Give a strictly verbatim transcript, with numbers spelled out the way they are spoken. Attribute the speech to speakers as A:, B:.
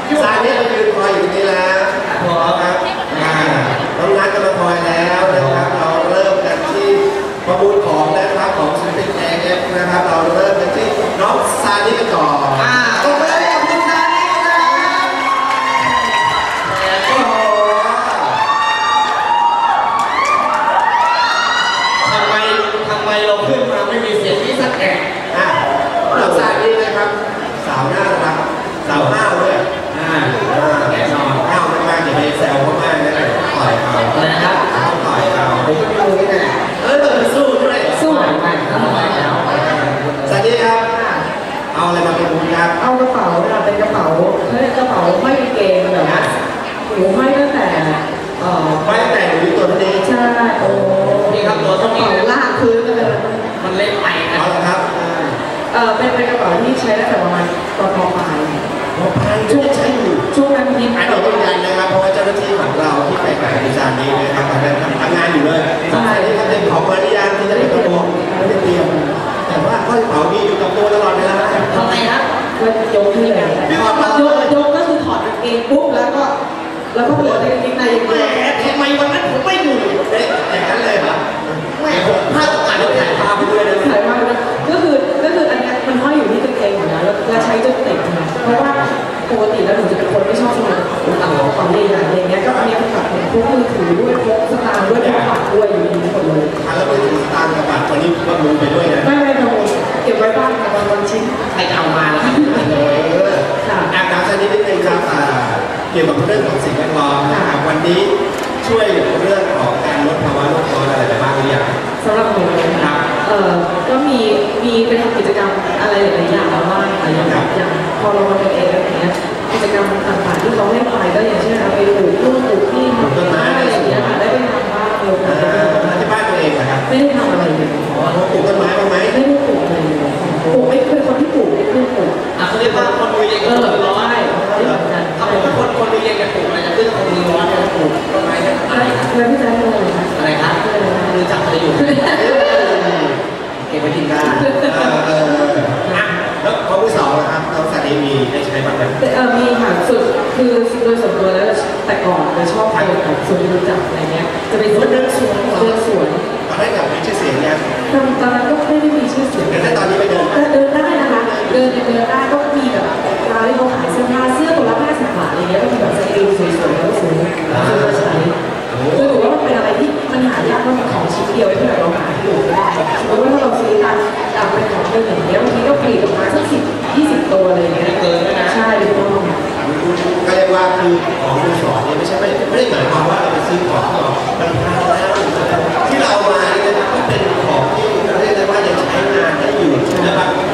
A: ซานี่มายืนคอยอยู่ตรงนี้แล้วครับน้องนัทก็มาคอยแล้วนะครับเราเริ่มกันที่ประมูลของนะครับของศิลปินแอร์เอฟนะครับเราเริ่มกันที่น้องซานี่กันก่อนโอ้โหคุณซานี่ครับโอ้โหทำไมทำไมเราขึ้นมาไม่มีเสียงที่สักแห่งอ่ะน้องซานี่นะครับสาวน่ารักสาวห้าวด้วยอ่าแน่นอนห้าวมากๆอย่าไปแซวเขามากนะต่อยเขานะครับต้องต่อยเขาไปดูนี่แหละเออสู้ด้วยสู้ไม่ไม่สวัสดีครับเอาอะไรมาเป็นบุญครับ
B: เอากระเป๋าเราเป็นกระเป๋าเฮ้ยกระเป๋าไม่เกงแบบนี้หนูไม่ตั้งแต่เอ่อ
A: ไม่ตั้งแต่หนูตัวนี้
B: ใช่โอ้
A: นี่ครับตัวต้องมี
B: ลากพื้นเลย
A: มันเล็กไปนะครับ
B: เออเป็นเป็นกระเป๋าที่ใช้ตั้งแต่ประมาณตอนม.ปลาย
A: ม.ปลายช่วงใช้อยู่
B: ช่วงนั้นที่
A: อันนี้ต้องยันนะครับเพราะว่าเจ้าหน้าที่ของเราที่ไปกับดิฉันนี้นะครับทำงานอยู่เลยใช่ที่เขาเป็นของมาริยาที่จะเป็นตัวไม่ได้เตรียมแต่ว่าข้อยกระเป๋ามีอยู่กับตัวตลอดเวลา
B: ทำไมครับก็ยกขึ้นเลยยกยกก็คือถอดกางเกงปุ๊บแล้วก็แล้วก็เหลือในกางเกงในอย่างเดียว
A: ทำไมวันนั้นผมไม่อยู่เอ๊ะอย่างนั้นเลยเหรอไม่ผมพลาดโอกาสแล้วถ่ายภาพไปด้วยนะ
B: ถ่ายภาพไปก็คือก็คืออันนี้มันห้อยอยู่ที่กางเกงอยู่แล้วแล้วใช้จนติดนะเพราะว่าปกติแล้วหนูจะเป็นคนไม่ชอบสมัยของของเรียนอะไรเงี้ยก็อันนี้มันแบบพกมือถือด้วยพกสตางค์ด้วยพกบัตรด้วยอยู่ดีหมดเลย
A: แล้วมือถือสตางค์กับบัตรวันนี้ก็รู้ไปด้วยนะ
B: ไม่ไม่ไม่เก็บไว้บ้างกับบางวันชิ้น
A: ใครเอามาแล้วครับค่ะอาการชนิดนิดนึงครับเกี่ยวกับเรื่องของสิ่งแวดล้อมนะครับวันนี้ช่วยเรื่องของการลดภาวะโลกร้อนอะไรไปบ้างหรือยัง
B: สำหรับหนูนะครับเอ่อก็มีมีไปทำกิจกรรมอะไรหลายอย่างบ้างอะไรอย่างอย่างพอเรามาเป็นเองอะไรอย่างเงี้ยกิจกรรมต่างๆที่เขาให้ไปก็อย่างเช่นเอาไปปลูกต้นปลูกที่ทำต้นไม้อะไรอย่างเงี้ยค่ะได้ไปทำบ้างเลย
A: ที่บ้านตัวเองนะครับ
B: ไม่ได้ทำอะไรเลย
A: อ๋อปลูกต้นไม้บ้างไหม
B: ไม่ได้ปลูกเลยปลูกไม่เป็นคนที่ปลูกไม่ขึ้นปลูก
A: อ่ะเขาเรียกว่าคนมือเย็น
B: เออร้อน
A: ถ้าผมเป็นคนคนมือเย็นกันปลูกอะไรจะขึ้นคนมือร้อนจะปลูกต้นไม้เนี่ยอะไร
B: แล้วพี่แจ๊คเป็นอะไรคะ
A: อะไรครับรู้จักอะไรอยู่เก็บไว้กินได้แล้วข้อที่สองนะครับน้องสามีมีได้ใช้บ้างไหม
B: เออมีค่ะสุดคือโดยส่วนตัวแล้วแต่ก่อนจะชอบไปแบบสวนรู้จักอะไรเงี้ยจะไปเดินสวนเดินสวน
A: ตอนแรกแบบมีชื่อเสียงเนี่ย
B: ตอนนั้นก็ไม่ได้มีชื่อเสียง
A: แต่ตอนนี้ไปเดิน
B: เดินได้นะคะเดินเดินได้ก็มีแบบร้านที่เขาขายเสื้อผ้าเสื้อตัวละห้าสิบบาทอะไรเงี้ยก็มีแบบสกรีนสวยๆแล้วสวยซื้อมาใช้คือถือว่ามันเป็นอะไรที่มันหายากมากของชิ้นเดียวที่แบบเราหาอยู่ไม่ได้เพราะว่าถ้าเราซื้อตามตามเป็นของเรื่องอย่างเงี้ยบางทีก็ผลิตออกมาสักสิบยี่สิบตัวอะไรเงี้ย
A: เกินนะ
B: ใช่ถูกต้อง
A: ก็เรียกว่าคือของมือสองเนี่ยไม่ใช่ไม่ไม่ได้หมายความว่าเราไปซื้อของที่มันแพงแล้วที่เราเอามาเนี่ยก็เป็นของที่เรียกได้ว่ายังใช้งานได้อยู่นะครับ